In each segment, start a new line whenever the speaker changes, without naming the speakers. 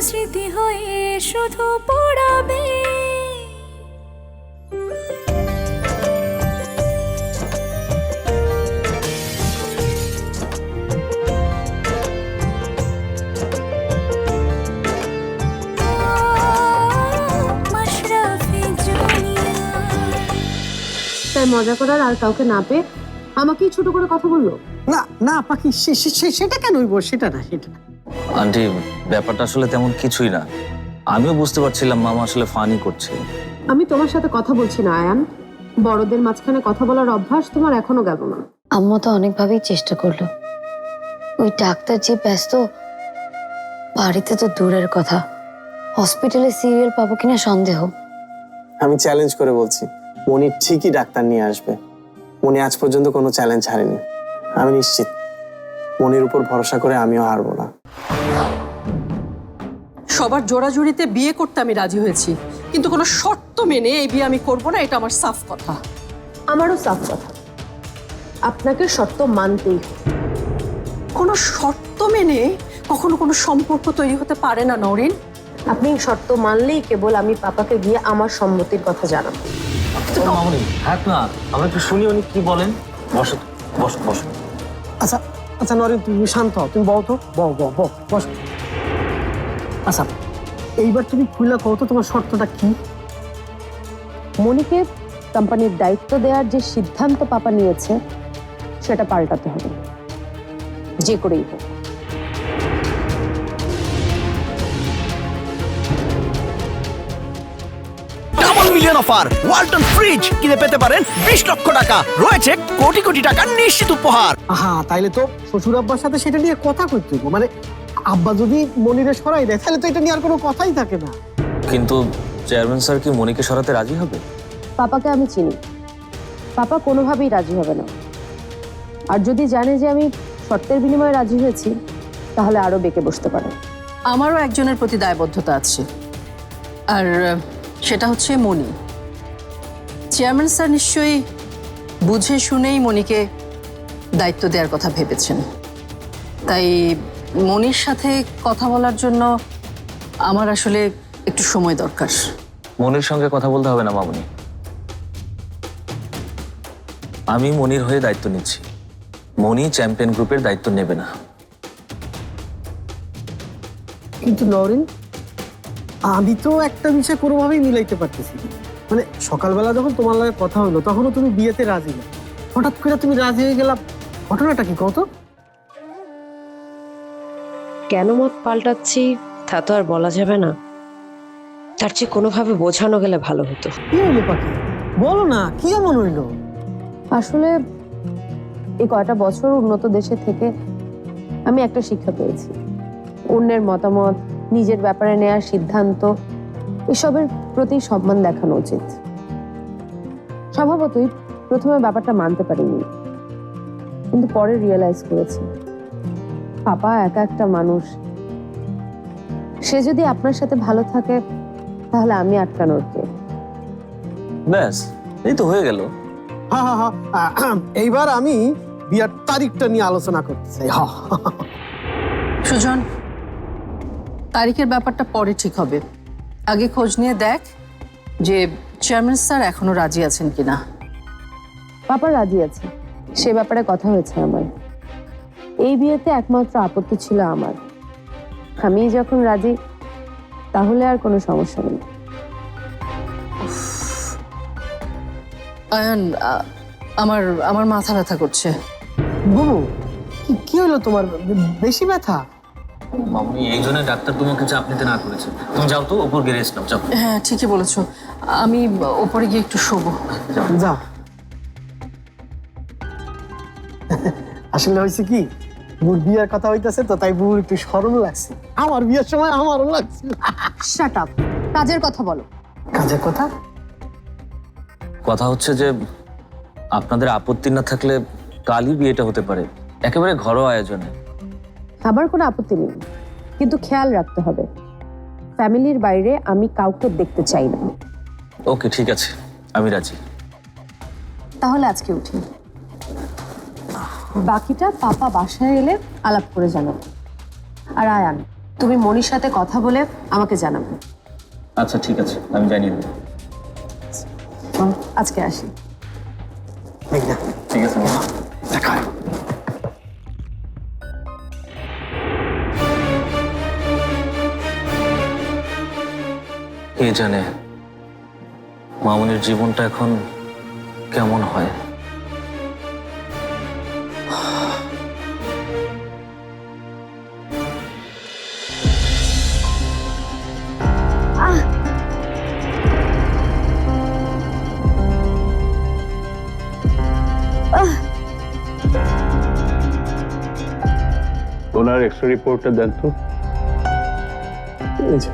স্মৃতি হয়ে শুধু পড়াবে।
তাই মজা করার আর কাউকে না পেয়ে আমাকেই ছোট করে কথা বললো।
না না পাখি, সেটা কেন হইব? সেটা না, সেটা না।
আন্টি, ব্যাপারটা আসলে তেমন কিছুই না। আমিও বুঝতে পারছিলাম মামা আসলে ফানি করছে।
আমি তোমার সাথে কথা বলছি না আয়ান, বড়দের মাঝখানে কথা বলার অভ্যাস তোমার এখনো গেল না।
আম্মু তো অনেকভাবেই চেষ্টা করলো, ওই ডাক্তার যে ব্যস্ত, বাড়িতে তো দূরের কথা, হসপিটালে সিরিয়াল পাবো কিনা সন্দেহ।
আমি চ্যালেঞ্জ করে বলছি, মনি ঠিকই ডাক্তার নিয়ে আসবে। মনি আজ পর্যন্ত কোনো চ্যালেঞ্জ হারেনি। আমি নিশ্চিত মনির উপর ভরসা করে আমিও হারবো না।
সবার জোড়াজুড়িতে বিয়ে করতে আমি রাজি হয়েছি, কিন্তু কোনো শর্ত মেনে এই বিয়ে আমি করব না, এটা আমার সাফ কথা।
আমারও সাফ কথা, আপনাকে শর্ত মানতেই হবে।
কোনো শর্ত মেনে কখনো কোনো সম্পর্ক তৈরি হতে পারে না নরিন।
আপনি শর্ত মানলেই কেবল আমি পাপাকে গিয়ে আমার সম্মতির কথা জানাবো।
মামনি থাক না, আমরা একটু শুনি উনি কি বলেন। বসো বসো বসো।
আচ্ছা আচ্ছা নরেন, তুমি শান্ত হও, তুমি বও তো, বও বও বও, বস। আচ্ছা এইবার তুমি খুলে কও তো তোমার শর্তটা কি?
মনিকে কোম্পানির দায়িত্ব দেওয়ার যে সিদ্ধান্ত পাপা নিয়েছে সেটা পাল্টাতে হবে, যে করেই হোক।
Double million offer Walton fridge কিনে পেতে পারেন 20 লক্ষ টাকা, রয়েছে কোটি কোটি টাকার নিশ্চিত উপহার।
হ্যাঁ, তাইলে তো শ্বশুর আব্বার সাথে সেটা নিয়ে কথা কইতে হইব। মানে আব্বা যদি মনিরে সরাই দেয় তাহলে তো এটা নিয়ে আর কোনো কথাই থাকে না।
কিন্তু চেয়ারম্যান স্যার কি মনিকে সরাতে রাজি হবে?
পাপাকে আমি চিনি, পাপা কোনোভাবেই রাজি হবে না। আর যদি জানে যে আমি শর্তের বিনিময়ে রাজি হয়েছি তাহলে আরো বেঁকে বসতে পারে।
আমারও একজনের প্রতি দায়বদ্ধতা আছে, আর সেটা হচ্ছে মনি। চেয়ারম্যান স্যার নিশ্চয়ই বুঝে শুনেই মনিকে দায়িত্ব দেওয়ার কথা ভেবেছেন। তাই মনির সাথে কথা বলার জন্য আমার আসলে একটু সময় দরকার।
মনির সঙ্গে কথা বলতে হবে না মামনি, আমি মনির হয়ে দায়িত্ব নিচ্ছি। মনি চ্যাম্পিয়ন গ্রুপের দায়িত্ব নেবে না।
কিন্তু নরেন, আমি তো একটা বিষয় কোনোভাবেই মিলাইতে পারতেছি না। মানে সকালবেলা যখন তোমার লাগে কথা হলো তখনও তুমি বিয়েতে রাজি না, হঠাৎ করে তুমি রাজি হয়ে গেলা, ঘটনাটা কি কত?
কেন মত পাল্টাচ্ছি তা তো আর বলা যাবে না, তার চেয়ে কোনোভাবে বোঝানো গেলে ভালো হতো।
কি হইলো পাখি, বলো না, কি এমন হইলো?
আসলে এই কয়টা বছর উন্নত দেশে থেকে আমি একটা শিক্ষা পেয়েছি, অন্যের মতামত, নিজের ব্যাপারে নেওয়ার সিদ্ধান্ত, এসবের প্রতি সম্মান দেখানো উচিত। স্বভাবতই প্রথমে ব্যাপারটা মানতে পারিনি, কিন্তু পরে রিয়েলাইজ করেছি পাপা একা একটা মানুষ, সে যদি আপনার সাথে ভালো থাকে তাহলে আমি আটকানোর কে?
ব্যাস, এই তো হয়ে গেল।
হ্যাঁ হ্যাঁ হ্যাঁ, এইবার আমি বিয়ার তারিখটা নিয়ে আলোচনা করতে চাই।
সুজন, তারিখের ব্যাপারটা পরে ঠিক হবে। আগে খোঁজ নিয়ে দেখ যে চেয়ারম্যান স্যার এখনো রাজি আছেন কিনা।
পাপা রাজি আছে, সে ব্যাপারে কথা হয়েছে আমার। এই বিয়েতে একমাত্র আপত্তি ছিল আমার, আমি যখন রাজি তাহলে আর কোনো সমস্যা নেই।
আয়ান, আমার আমার মাথা ব্যথা করছে।
বুবু, কি হলো তোমার, বেশি ব্যথা?
মামনি এই জন্য ডাক্তার তোমাকে চাপ নিতে না করেছে। তুমি যাও তো, উপর গিয়ে রেস্ট নাও, যাও।
হ্যাঁ ঠিকই বলেছো, আমি ওপরে গিয়ে একটু শোবো।
যাও। আসলে হয়েছে কি, বুর বিয়ের কথা হইতেছে তো, তাই বুর একটু শরম লাগছে। আমার বিয়ের সময় আমারও লাগছে।
শাট আপ, কাজের কথা বলো।
কাজের কথা?
কথা হচ্ছে যে আপনাদের আপত্তি না থাকলে কালই বিয়েটা হতে পারে, একেবারে ঘরোয়া আয়োজনে।
আমার কোনো আপত্তি নেই, কিন্তু খেয়াল রাখতে হবে ফ্যামিলির বাইরে আমি কাউকে দেখতে চাই না।
ওকে ঠিক আছে, আমি রাজি।
তাহলে আজকে উঠি, বাকিটা পাপা বাসায় এলে আলাপ করে জানাবো। আর আয়ান, তুমি মনির সাথে কথা বলে আমাকে জানাবে।
আচ্ছা ঠিক আছে, আমি জানিয়ে দেবো।
আজকে আসি।
মেঘনা,
ঠিক আছে মামা।
দেখা হয়।
কে জানে মামুনির জীবনটা এখন কেমন হয়।
ওনার এক্সরে রিপোর্টটা দেন তো।
এই যে,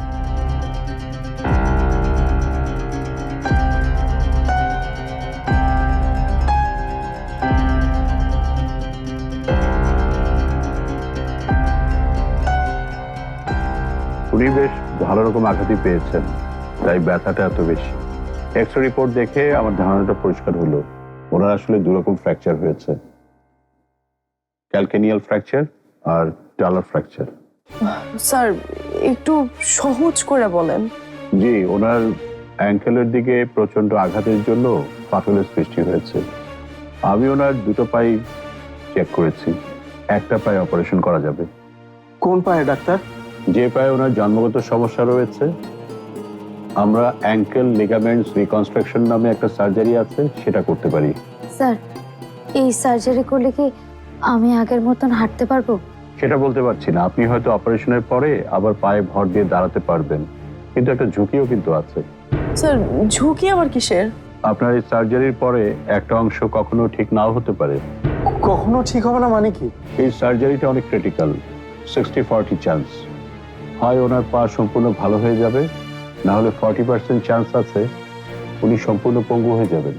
উনি বেশ ভালো রকম আঘাতই পেয়েছেন, তাই ব্যথাটা এত বেশি। এক্সরে রিপোর্ট দেখে আমার ধারণাটা পরিষ্কার হলো, ওনার আসলে দুরকম ফ্র্যাকচার হয়েছে, ক্যালকেনিয়াল ফ্র্যাকচার আর টালার ফ্র্যাকচার।
স্যার একটু সহজ করে বলেন।
জি, ওনার অ্যাঙ্কেলের দিকে প্রচন্ড আঘাতের জন্য ফাটলের সৃষ্টি হয়েছে। আমি ওনার দুটো পাই চেক করেছি, একটা পায়ে অপারেশন করা যাবে।
কোন পায়ে ডাক্তার?
যে পায়ে ওনার জন্মগত সমস্যা রয়েছে, আমরা অ্যাঙ্কেল লিগামেন্টস রিকনস্ট্রাকশন নামে একটা সার্জারি আছে, সেটা করতে পারি।
স্যার, এই সার্জারি করলে কি আমি আগের মতন হাঁটতে পারবো?
সেটা বলতে পারছি না, আপনি হয়তো অপারেশনের পরে আবার পায়ে ভর দিয়ে দাঁড়াতে পারবেন, কিন্তু একটা ঝুঁকিও কিন্তু আছে।
স্যার ঝুঁকি আবার কিসের?
আপনার এই সার্জারির পরে একটা অংশ কখনো ঠিক নাও হতে পারে।
কখনো ঠিক হবে না মানে কি?
এই সার্জারিটা অনেক ক্রিটিক্যাল, 60-40 চান্স। হয় ওনার পা সম্পূর্ণ ভালো হয়ে যাবে, না হলে 40% চান্স আছে উনি সম্পূর্ণ পঙ্গু হয়ে যাবেন।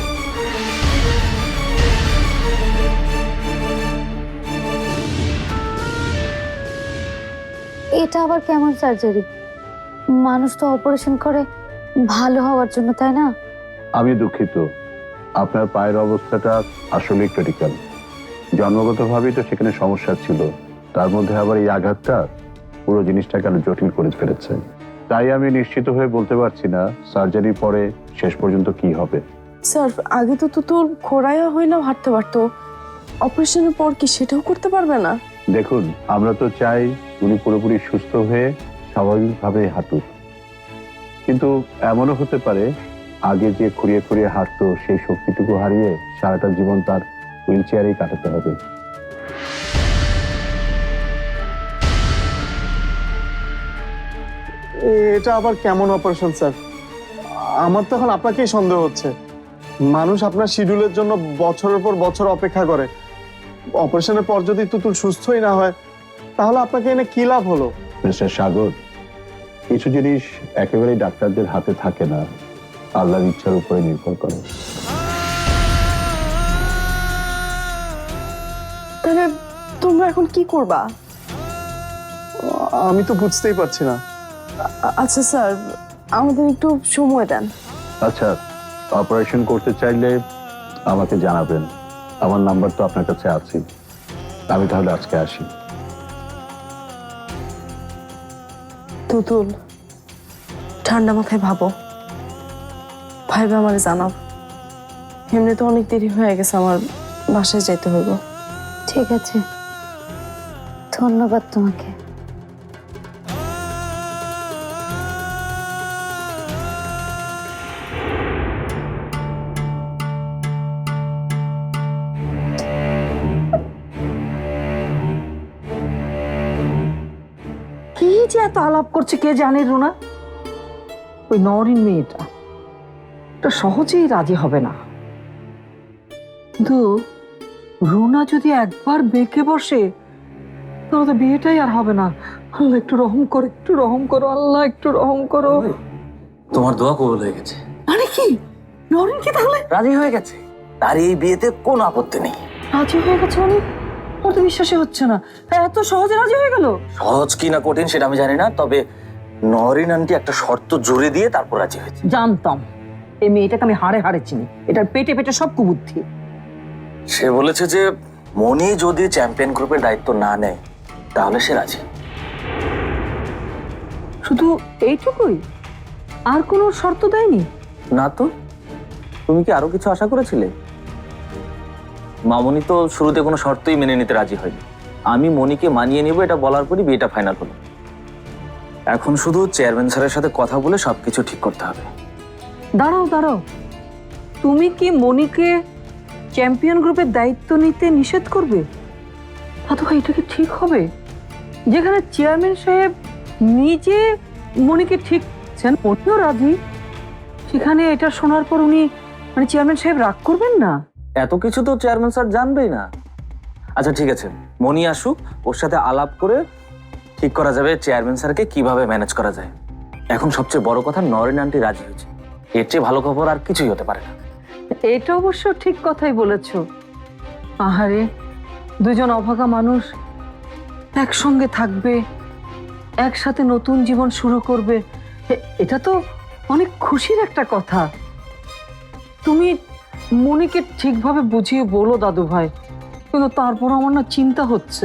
এটা আবার কেমন সার্জারি? মানুষ তো অপারেশন করে ভালো হওয়ার জন্য, তাই না?
আমি দুঃখিত, আপনার পায়ের অবস্থাটা আসলে ক্রিটিক্যাল। জন্মগতভাবেই তো সেখানে সমস্যা ছিল, তার মধ্যে আবার এই আঘাতটা পুরো জিনিসটাকে আরো জটিল করে ফেলেছে। তাই আমি নিশ্চিত হয়ে বলতে পারছি না সার্জারির পরে শেষ পর্যন্ত কি হবে।
স্যার আগে তো তোর খোড়াইয়া হইলেও হাঁটতে পারতো, অপারেশনের পর কি সেটাও করতে পারবে না?
দেখুন, আমরা তো চাই উনি পুরোপুরি সুস্থ হয়ে স্বাভাবিকভাবে হাঁটুক, কিন্তু এমনও হতে পারে আগে যে খুঁড়িয়ে খুঁড়িয়ে হাঁটতো সেই শক্তিটুকু হারিয়ে সারাটা জীবন তার হুইল চেয়ারেই কাটাতে হবে।
এটা আবার কেমন অপারেশন স্যার? আমার তো এখন আপনাকেই সন্দেহ হচ্ছে। মানুষ আপনার শিডিউলের জন্য বছরের পর বছর অপেক্ষা করে, অপারেশনের পর যদি তুতুল সুস্থই না হয় তাহলে আপনাকে এনে কি লাভ হলো?
মিস্টার সাগর, কিছু জিনিস একেবারেই ডাক্তারদের হাতে থাকে না, আল্লাহর ইচ্ছার উপরে নির্ভর করে।
তাহলে তোমরা এখন কি করবা?
আমি তো বুঝতেই পারছি না।
আচ্ছা স্যার, আমাদের একটু সময় দেন।
আচ্ছা, অপারেশন করতে চাইলে আমাকে জানাবেন, আমার নাম্বার তো আপনার কাছে আছে। আমি তাহলে আজকে আসি।
তুতুল, ঠান্ডা মাথায় ভাবো, ভাইবে আমারে জানাও। এমনি তো অনেক দেরি হয়ে গেছে, আমার বাসায় যেতে হইব।
ঠিক আছে, ধন্যবাদ তোমাকে।
কি যে এত আলাপ করছে কে জানে রুনা। ওই নরিন মেয়েটা তো সহজেই রাজি হবে না, কিন্তু রুনা যদি একবার বেঁকে বসে তাহলে তো বিয়েটাই আর হবে না। আল্লাহ একটু রহম করো, একটু রহম করো, আল্লাহ একটু রহম করো।
তোমার দোয়া কবুল হয়ে গেছে।
মানে কি, নরিন কি তাহলে
রাজি হয়ে গেছে, তার এই বিয়েতে কোনো আপত্তি নেই।
রাজি হয়ে গেছে? মানে ওর তো বিশ্বাসই হচ্ছে না, এত সহজে রাজি হয়ে গেল।
সহজ কি না কঠিন সেটা আমি জানি না, তবে নরিন আন্টি একটা শর্ত জুড়ে দিয়ে তারপর রাজি হয়েছে।
জানতাম এই মেয়েটাকে আমি হাড়ে হাড়ে চিনি, এটার পেটে পেটে সব কুবুদ্ধি।
সে বলেছে যে মনি যদি চ্যাম্পিয়ন গ্রুপের দায়িত্ব না নেয় তাহলে সে রাজি।
শুধু এইটুকুই? আর কোনো শর্ত দেয়নি?
না তো, তুমি কি আরো কিছু আশা করেছিলে? মামনি তো শুরুতে কোনো শর্তই মেনে নিতে রাজি হয়নি। আমি মনিকে মানিয়ে নেব এটা বলার পরই বিয়েটা ফাইনাল হলো। এখন শুধু চেয়ারম্যান স্যারের সাথে কথা বলে সবকিছু ঠিক করতে হবে।
দাঁড়াও দাঁড়াও, তুমি কি মনিকে চ্যাম্পিয়ন গ্রুপের দায়িত্ব নিতে নিষেধ করবে? দাদু ভাই, এটা কি ঠিক হবে? যেখানে চেয়ারম্যান সাহেব নিজে মনিকে ঠিকছেন, উনিও রাজি, সেখানে এটা শোনার পর উনি মানে চেয়ারম্যান সাহেব রাগ করবেন না?
এত কিছু তো চেয়ারম্যান স্যার জানবেই না। আচ্ছা ঠিক আছে, মনি আসুক, ওর সাথে আলাপ করে ঠিক করা যাবে চেয়ারম্যান স্যারকে কিভাবে ম্যানেজ করা যায়। এখন সবচেয়ে বড় কথা, নরেন আন্টি রাজি হয়েছে। এর চেয়ে ভালো খবর আর কিছুই হতে পারে না।
এটা অবশ্য ঠিক কথাই বলেছো। আহারে, দুজন অভাগা মানুষ একসঙ্গে থাকবে, একসাথে নতুন জীবন শুরু করবে, এটা তো অনেক খুশির একটা কথা। তুমি মনিকে ঠিকভাবে বুঝিয়ে বলো দাদু ভাই, কিন্তু তারপর আমার না চিন্তা হচ্ছে,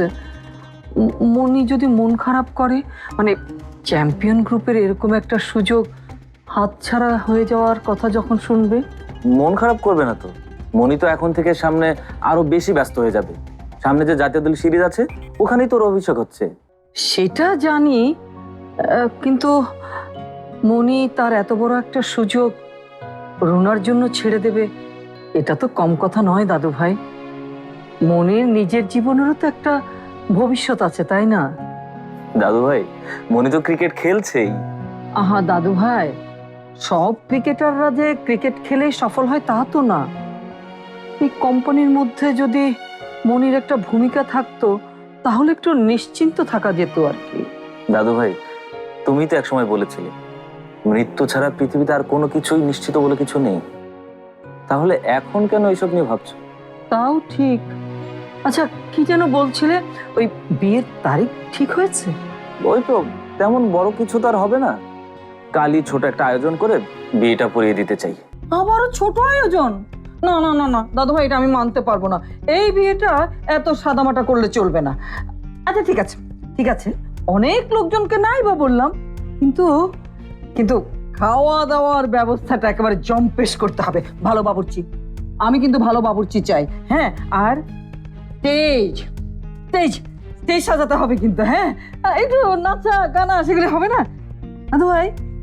মনি যদি মন খারাপ করে, মানে চ্যাম্পিয়ন গ্রুপের এরকম একটা সুযোগ হাতছাড়া হয়ে যাওয়ার কথা যখন শুনবে।
মন খারাপ করবে না তো, মনি তো এখন থেকে সামনে আরো বেশি ব্যস্ত হয়ে যাবে। সামনে যে জাতীয় দল সিরিজ আছে, ওখানেই তোর অভিষেক হচ্ছে।
সেটা জানি, কিন্তু মনি তার এত বড় একটা সুযোগ রুনার জন্য ছেড়ে দেবে, এটা তো কম কথা নয় দাদু ভাই। মনির নিজের জীবনেরও তো একটা ভবিষ্যৎ আছে, তাই না?
দাদু ভাই, মনি তো ক্রিকেট খেলছেই।
আহা দাদু ভাই, সব ক্রিকেটাররা যে ক্রিকেট খেলেই সফল হয় তা তো না। এই কোম্পানির মধ্যে যদি মনির একটা ভূমিকা থাকতো, তাহলে একটু নিশ্চিন্ত থাকা যেত আর কি।
দাদু ভাই, তুমি তো একসময় বলেছিলে মৃত্যু ছাড়া পৃথিবীতে আর কোনো কিছুই নিশ্চিত বলে কিছু নেই। তাহলে এখন কেন এইসব নিয়ে ভাবছো?
তাও ঠিক। আচ্ছা, কি যেন বলছিলে, ওই বিয়ের তারিখ ঠিক হয়েছে?
ওই তো, তেমন বড় কিছু তো আর হবে না। কালই ছোট একটা আয়োজন করে বিয়েটা পড়িয়ে দিতে চাই।
আবারও ছোট আয়োজন? না না না না দাদু ভাই, এটা আমি মানতে পারবো না। এই বিয়েটা এত সাদামাটা করলে চলবে না। আচ্ছা ঠিক আছে, ঠিক আছে, অনেক লোকজনকে নাই বা বললাম, কিন্তু কিন্তু খাওয়া দাওয়ার ব্যবস্থাটা একেবারে জম্পেশ করতে হবে। ভালো বাবুর্চি, আমি কিন্তু ভালো বাবুর্চি চাই। হ্যাঁ, আর স্টেজ স্টেজ স্টেজ সাজাতে হবে কিন্তু। হ্যাঁ, একটু নাচা গানা সেগুলো হবে না দাদু ভাই?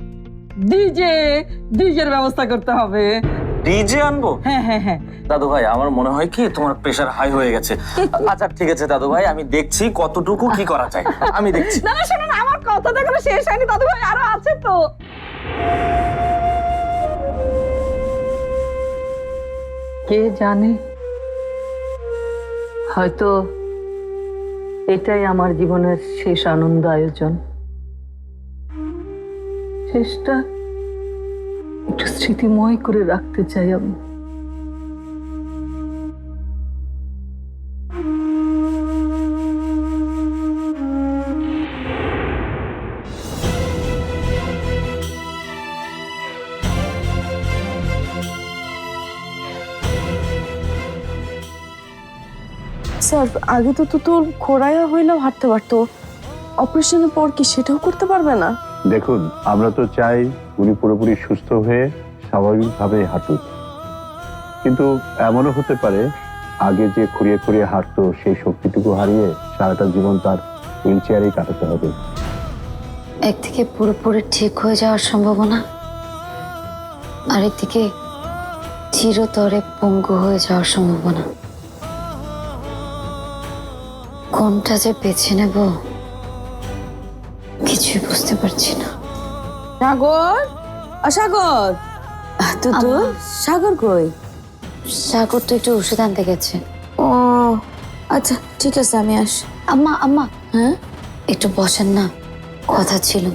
ডিজের ব্যবস্থা করতে হবে।
ডিজে আনবো?
হ্যাঁ হ্যাঁ হ্যাঁ
দাদু ভাই, আমার মনে হয় কি তোমার প্রেশার হাই হয়ে গেছে। আচ্ছা ঠিক আছে দাদু ভাই, আমি দেখছি কতটুকু কি করা যায়, আমি দেখছি।
না না, শোনো না, আমার কথাটা এখনো শেষ হয়নি দাদু ভাই, আরো আছে তো। কে জানে, হয়তো এটাই আমার জীবনের শেষ আনন্দ আয়োজন। শেষটা একটু স্মৃতিময় করে রাখতে চাই আমি।
স্যার, আগে তো তোর খোড়াইয়া হইলেও হাঁটতে পারতো, অপারেশনের পর কি সেটাও করতে পারবে না?
দেখুন, আমরা তো চাই উনি পুরোপুরি সুস্থ হয়ে স্বাভাবিকভাবে হাঁটুক, কিন্তু এমনও হতে পারে আগে যে খুঁড়িয়ে খুঁড়িয়ে হাঁটতো সেই শক্তিটুকু হারিয়ে সারাটা জীবন তার হুইল চেয়ারেই কাটাতে হবে।
একদিকে পুরোপুরি ঠিক হয়ে যাওয়ার সম্ভাবনা, আরেকদিকে চিরতরে পঙ্গু হয়ে যাওয়ার সম্ভাবনা। কোনটা যে বেছে নেব কিছুই বুঝতে পারছি না।
সাগর, সাগর, সাগর কই?
সাগর তো একটু ওষুধ আনতে গেছে।
ও আচ্ছা ঠিক আছে, আমি আসি।
আম্মা আম্মা, হ্যাঁ একটু বসেন না, কথা ছিল।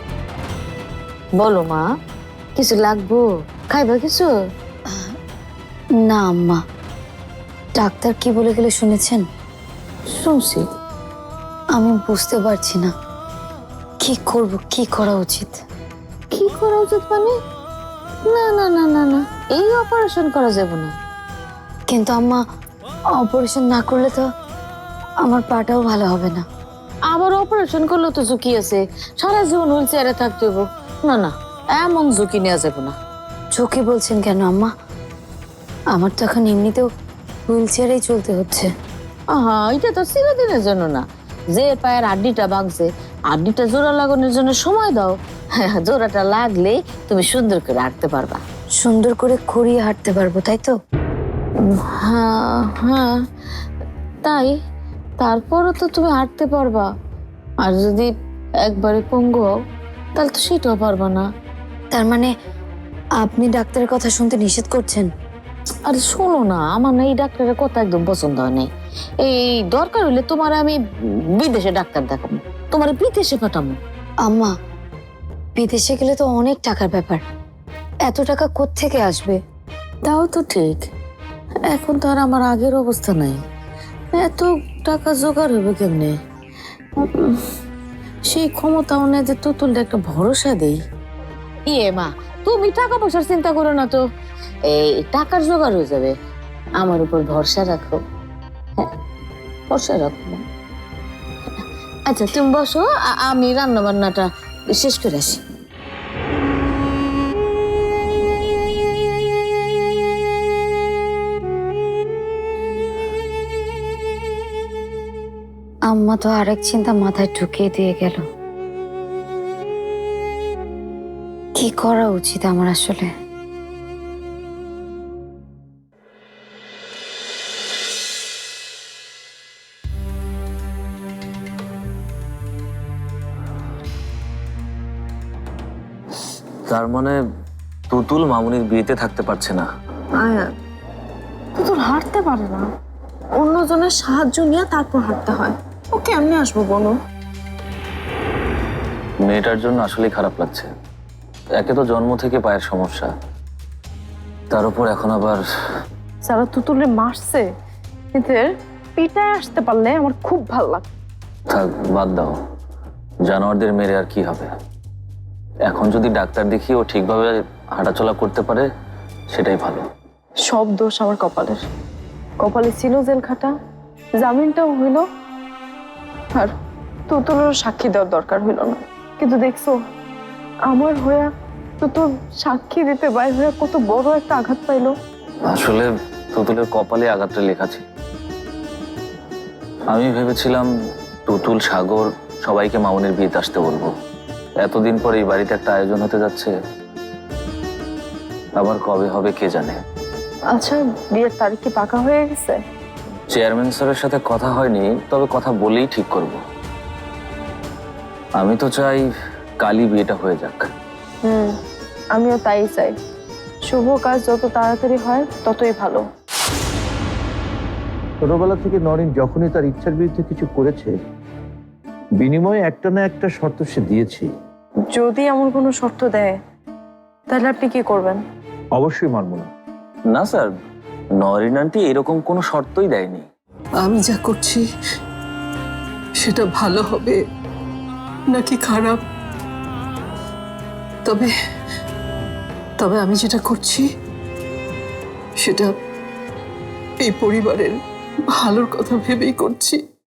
বলো মা,
কিছু লাগবো?
খাইবা কিছু?
না আম্মা, ডাক্তার কি বলে গেলে শুনেছেন?
শুনছি।
আমি বুঝতে পারছি না কি করব, কি করা উচিত।
কি করা উচিত মানে? না না না না না, এই অপারেশন করা যাবে না।
কিন্তু আম্মা, অপারেশন না করলে তো আমার পাটাও ভালো হবে না।
আবার অপারেশন করলে তো ঝুঁকি আছে, সারা জীবন হুইল চেয়ারে থাকতে হইব। না না, এমন ঝুঁকি নেওয়া যাবে না।
ঝুঁকি বলছেন কেন আম্মা? আমার তো এখন এমনিতেও হুইল চেয়ারেই চলতে হচ্ছে।
আহা, এটা তো চিরদিনের জন্য না। যে পায়ের আড্ডিটা ভাঙছে, আড্ডিটা জোড়া লাগানোর জন্য সময় দাও। হ্যাঁ, জোড়াটা লাগলেই তুমি সুন্দর করে হাঁটতে পারবা।
সুন্দর করে খড়িয়ে হাঁটতে পারবো, তাই তো?
হ্যাঁ হ্যাঁ, তাই। তারপরও তো তুমি হাঁটতে পারবা। আর যদি একবারে পঙ্গু হও, তাহলে তো সেটাও পারবা না।
তার মানে আপনি ডাক্তারের কথা শুনতে নিষেধ করছেন?
আরে শোনো না, আমার না এই ডাক্তারের কথা একদম পছন্দ হয় নাই। এই দরকার হলে তোমার আমি বিদেশে ডাক্তার দেখাবো, তোমার বিদেশে পাঠাবো।
আম্মা, বিদেশে গেলে তো অনেক টাকার ব্যাপার, এত টাকা কোত্থেকে আসবে?
তাও তো ঠিক, এখন তো আর আমার আগের অবস্থা নাই। এত টাকা জোগাড় হবে কেমনে? সেই ক্ষমতাও নেই যে তুতুলটা একটা ভরসা দেই। ইয়ে মা, তুমি টাকা পয়সার চিন্তা করো না তো, এই টাকার জোগাড় হয়ে যাবে। আমার উপর ভরসা রাখো। হ্যাঁ, ভরসা রাখো। আচ্ছা তুমি বসো, আমি রান্না বান্নাটা শেষ করে আসি।
আম্মা তো আরেক চিন্তা মাথায় ঢুকিয়ে দিয়ে গেল। কি করা উচিত আমার আসলে?
তার মানে তুতুল মামুনির বিয়েতে থাকতে পারছে না?
আয়া, তুতুল হাঁটতে পারে না, অন্যজনের সাহায্য নিয়ে তারপর হাঁটতে হয়। ও কেমনে আসবো বলো?
মেয়েটার জন্য আসলেই খারাপ লাগছে। একে তো জন্ম থেকে পায়ের সমস্যা, তার উপর এখন আবার
যারা তুতুলে মারছে এদের পিটায় আসতে পারলে আমার খুব ভালো লাগে।
থাক, বাদ দাও। জানোয়ারদের মেরে আর কি হবে? এখন যদি ডাক্তার দেখিয়ে ও ঠিকভাবে হাঁটাচলা করতে পারে সেটাই ভালো।
সব দোষ আমার কপালের। কপালে ছিল জেল খাটা, জামিনটাও হইল, আর তুতুলেরও সাক্ষী দেওয়ার দরকার হইল না। কিন্তু দেখছো, আমার হইয়া তুতুল সাক্ষী দিতে বাইর হইয়া কত বড় একটা আঘাত পাইলো।
আসলে তুতুলের কপালে আঘাতটা লেখা ছিল। আমি ভেবেছিলাম তুতুল, সাগর সবাইকে মামুনির বিয়েতে আসতে বলবো। এতদিন পরে এই বাড়িতে একটা আয়োজন হতে যাচ্ছে, আবার কবে হবে কে জানে।
আচ্ছা, বিয়ের তারিখ কি পাকা হয়ে গেছে?
চেয়ারম্যান স্যারের সাথে কথা হয়নি, তবে কথা বলেই ঠিক করব। আমি তো চাই কালই বিয়েটা হয়ে যাক।
আমিও তাই চাই। শুভ কাজ যত তাড়াতাড়ি হয় ততই ভালো।
ছোটবেলা থেকে নরেন যখনই তার ইচ্ছার বিরুদ্ধে কিছু করেছে, বিনিময়ে একটা না একটা শর্ত সে দিয়েছে।
যদি এমন কোনো শর্ত দেয় তাহলে আপনি কি করবেন?
অবশ্যই মানব না।
না স্যার, নরিন আন্টি এরকম কোনো শর্তই দেয়নি।
আমি যা করছি সেটা ভালো হবে নাকি খারাপ, তবে তবে আমি যেটা করছি সেটা এই পরিবারের ভালোর কথা ভেবেই করছি।